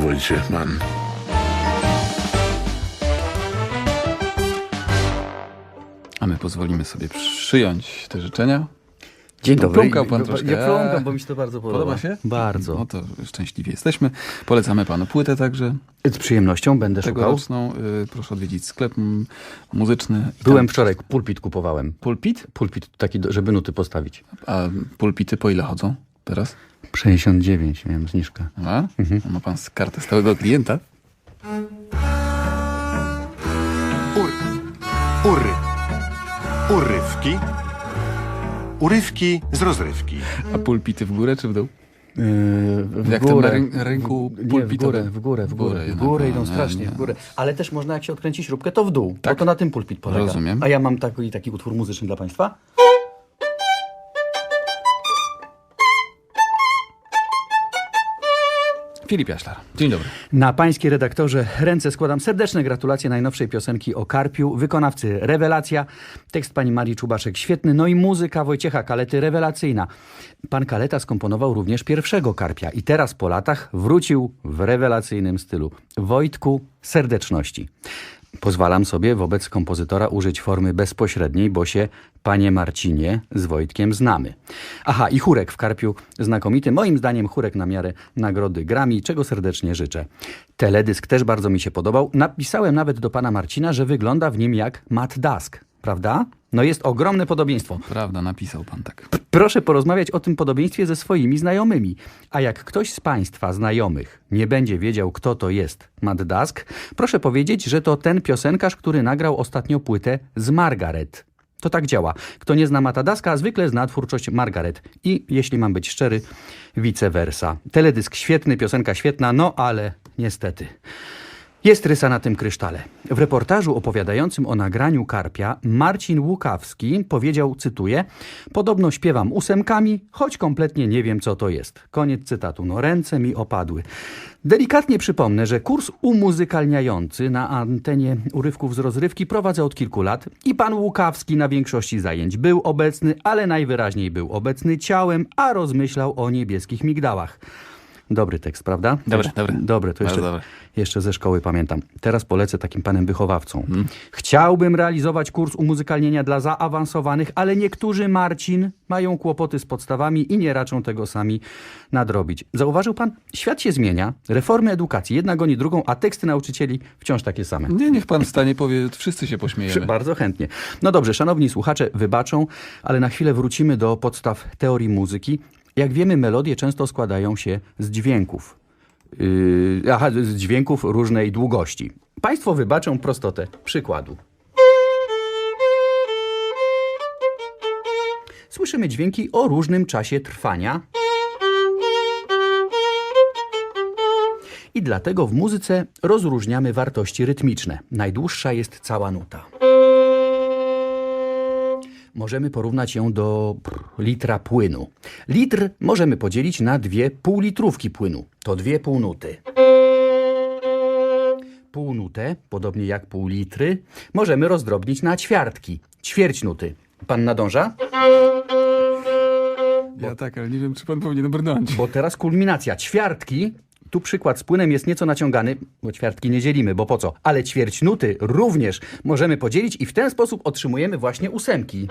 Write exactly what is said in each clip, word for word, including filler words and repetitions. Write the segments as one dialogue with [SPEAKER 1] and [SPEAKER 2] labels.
[SPEAKER 1] Wojciech Mann.
[SPEAKER 2] A my pozwolimy sobie przyjąć te życzenia.
[SPEAKER 3] Dzień dobry.
[SPEAKER 2] Plumkał pan troszkę.
[SPEAKER 3] Ja plumkam, bo mi się to bardzo podoba.
[SPEAKER 2] Podoba się?
[SPEAKER 3] Bardzo.
[SPEAKER 2] No to szczęśliwie jesteśmy. Polecamy panu płytę także.
[SPEAKER 3] Z przyjemnością będę szukał.
[SPEAKER 2] Tegoroczną. Y, proszę odwiedzić sklep m, muzyczny.
[SPEAKER 3] Byłem
[SPEAKER 2] Tam-
[SPEAKER 3] wczoraj, pulpit kupowałem.
[SPEAKER 2] Pulpit?
[SPEAKER 3] Pulpit taki, do- żeby nuty postawić.
[SPEAKER 2] A pulpity po ile chodzą teraz?
[SPEAKER 3] sześćdziesiąt dziewięć miałem zniżkę.
[SPEAKER 2] A? Ma pan kartę stałego klienta?
[SPEAKER 4] Ur. Ury. Urywki. Urywki z rozrywki.
[SPEAKER 2] A pulpity w górę czy w dół?
[SPEAKER 3] Yy, w
[SPEAKER 2] Jak
[SPEAKER 3] górę.
[SPEAKER 2] ten na ryn- rynku
[SPEAKER 3] Nie, w
[SPEAKER 2] pulpitowym.
[SPEAKER 3] górę, w górę, w górę. W
[SPEAKER 2] jednak,
[SPEAKER 3] górę
[SPEAKER 2] no,
[SPEAKER 3] idą
[SPEAKER 2] nie,
[SPEAKER 3] strasznie,
[SPEAKER 2] nie.
[SPEAKER 3] w górę. Ale też można, jak się odkręci śrubkę, to w dół.
[SPEAKER 2] Tak?
[SPEAKER 3] Bo to na tym pulpit polega.
[SPEAKER 2] Rozumiem.
[SPEAKER 3] A ja mam taki, taki utwór muzyczny dla państwa.
[SPEAKER 2] Filip Jaślar. Dzień dobry.
[SPEAKER 3] Na pańskie redaktorze ręce składam serdeczne gratulacje najnowszej piosenki o Karpiu. Wykonawcy rewelacja. Tekst pani Marii Czubaszek świetny. No i muzyka Wojciecha Kalety rewelacyjna. Pan Kaleta skomponował również pierwszego Karpia. I teraz po latach wrócił w rewelacyjnym stylu. Wojtku, serdeczności. Pozwalam sobie wobec kompozytora użyć formy bezpośredniej, bo się, panie Marcinie, z Wojtkiem znamy. Aha, i chórek w Karpiu znakomity. Moim zdaniem chórek na miarę nagrody Grammy, czego serdecznie życzę. Teledysk też bardzo mi się podobał. Napisałem nawet do pana Marcina, że wygląda w nim jak Matt Dusk. Prawda? No jest ogromne podobieństwo.
[SPEAKER 2] Prawda, napisał pan tak.
[SPEAKER 3] Proszę porozmawiać o tym podobieństwie ze swoimi znajomymi. A jak ktoś z państwa znajomych nie będzie wiedział, kto to jest Matt Dusk, proszę powiedzieć, że to ten piosenkarz, który nagrał ostatnio płytę z Margaret. To tak działa. Kto nie zna Matta Duska, zwykle zna twórczość Margaret. I, jeśli mam być szczery, vice versa. Teledysk świetny, piosenka świetna, no ale niestety... Jest rysa na tym krysztale. W reportażu opowiadającym o nagraniu Karpia Marcin Łukawski powiedział, cytuję: podobno śpiewam ósemkami, choć kompletnie nie wiem, co to jest. Koniec cytatu. No ręce mi opadły. Delikatnie przypomnę, że kurs umuzykalniający na antenie urywków z rozrywki prowadzę od kilku lat i pan Łukawski na większości zajęć był obecny, ale najwyraźniej był obecny ciałem, a rozmyślał o niebieskich migdałach. Dobry tekst, prawda?
[SPEAKER 2] Dobry,
[SPEAKER 3] Jeszcze-
[SPEAKER 2] dobry.
[SPEAKER 3] Dobry, to
[SPEAKER 2] Bardzo
[SPEAKER 3] jeszcze,
[SPEAKER 2] dobry.
[SPEAKER 3] jeszcze ze szkoły pamiętam. Teraz polecę takim panem wychowawcą. Hmm. Chciałbym realizować kurs umuzykalnienia dla zaawansowanych, ale niektórzy, Marcin, mają kłopoty z podstawami i nie raczą tego sami nadrobić. Zauważył pan? Świat się zmienia, reformy edukacji, jedna goni drugą, a teksty nauczycieli wciąż takie same.
[SPEAKER 2] Nie, niech pan wstanie, powie, wszyscy się pośmiejemy.
[SPEAKER 3] Bardzo chętnie. No dobrze, szanowni słuchacze, wybaczą, ale na chwilę wrócimy do podstaw teorii muzyki. Jak wiemy, melodie często składają się z dźwięków. Yy, aha, z dźwięków różnej długości. Państwo wybaczą prostotę przykładu. Słyszymy dźwięki o różnym czasie trwania. I dlatego w muzyce rozróżniamy wartości rytmiczne. Najdłuższa jest cała nuta. Możemy porównać ją do pff, litra płynu. Litr możemy podzielić na dwie półlitrówki płynu. To dwie półnuty. Półnutę, podobnie jak pół litry, możemy rozdrobnić na ćwiartki. Ćwierć nuty. Pan nadąża?
[SPEAKER 2] Ja tak, ale nie wiem, czy pan powinien brnąć.
[SPEAKER 3] Bo teraz kulminacja. Ćwiartki, tu przykład z płynem jest nieco naciągany, bo ćwiartki nie dzielimy, bo po co? Ale ćwierć nuty również możemy podzielić i w ten sposób otrzymujemy właśnie ósemki.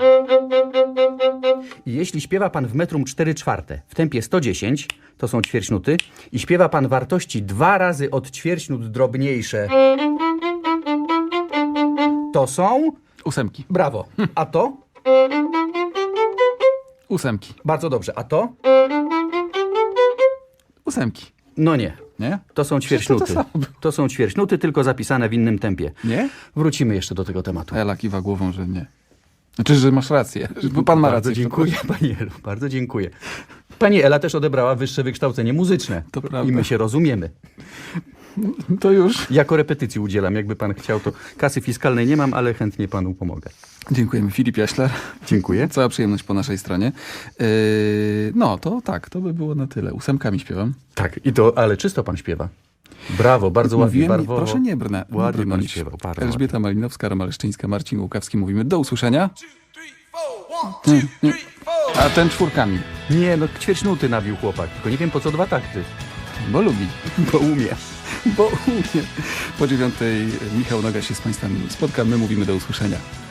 [SPEAKER 3] I jeśli śpiewa pan w metrum cztery czwarte w tempie sto dziesięć, to są ćwierć nuty, i śpiewa pan wartości dwa razy od ćwierć nut drobniejsze, to są...
[SPEAKER 2] Ósemki.
[SPEAKER 3] Brawo. A to?
[SPEAKER 2] Ósemki.
[SPEAKER 3] Bardzo dobrze. A to?
[SPEAKER 2] Ósemki.
[SPEAKER 3] No nie.
[SPEAKER 2] Nie?
[SPEAKER 3] To są ćwierćnuty.
[SPEAKER 2] Przecież to to samo było.
[SPEAKER 3] To są ćwierćnuty, tylko zapisane w innym tempie.
[SPEAKER 2] Nie?
[SPEAKER 3] Wrócimy jeszcze do tego tematu.
[SPEAKER 2] Ela kiwa głową, że nie. Znaczy, że masz rację. Bo pan ma
[SPEAKER 3] Bardzo
[SPEAKER 2] rację.
[SPEAKER 3] dziękuję, pani Elu. Bardzo dziękuję. Pani Ela też odebrała wyższe wykształcenie muzyczne.
[SPEAKER 2] To prawda.
[SPEAKER 3] I my się rozumiemy.
[SPEAKER 2] To już.
[SPEAKER 3] Jako repetycji udzielam, jakby pan chciał, to kasy fiskalnej nie mam, ale chętnie panu pomogę.
[SPEAKER 2] Dziękujemy. Filip Jaślar.
[SPEAKER 3] Dziękuję.
[SPEAKER 2] Cała przyjemność po naszej stronie. Yy, no, to tak, to by było na tyle. Ósemkami śpiewam.
[SPEAKER 3] Tak, i to, ale czysto pan śpiewa. Brawo, bardzo ładnie,
[SPEAKER 2] Mówiłem,
[SPEAKER 3] barwowo.
[SPEAKER 2] proszę nie brnę. nie
[SPEAKER 3] Ładnie pan
[SPEAKER 2] brnąć.
[SPEAKER 3] śpiewał, bardzo
[SPEAKER 2] Elżbieta Malinowska, Romaleszczyńska, Marcin Łukawski. Mówimy do usłyszenia. A ten czwórkami,
[SPEAKER 3] Nie, no ćwierćnuty nabił chłopak, tylko nie wiem po co dwa takty.
[SPEAKER 2] bo lubi.
[SPEAKER 3] Bo umie.
[SPEAKER 2] Bo u mnie po dziewiątej Michał Noga się z Państwem spotka. My mówimy do usłyszenia.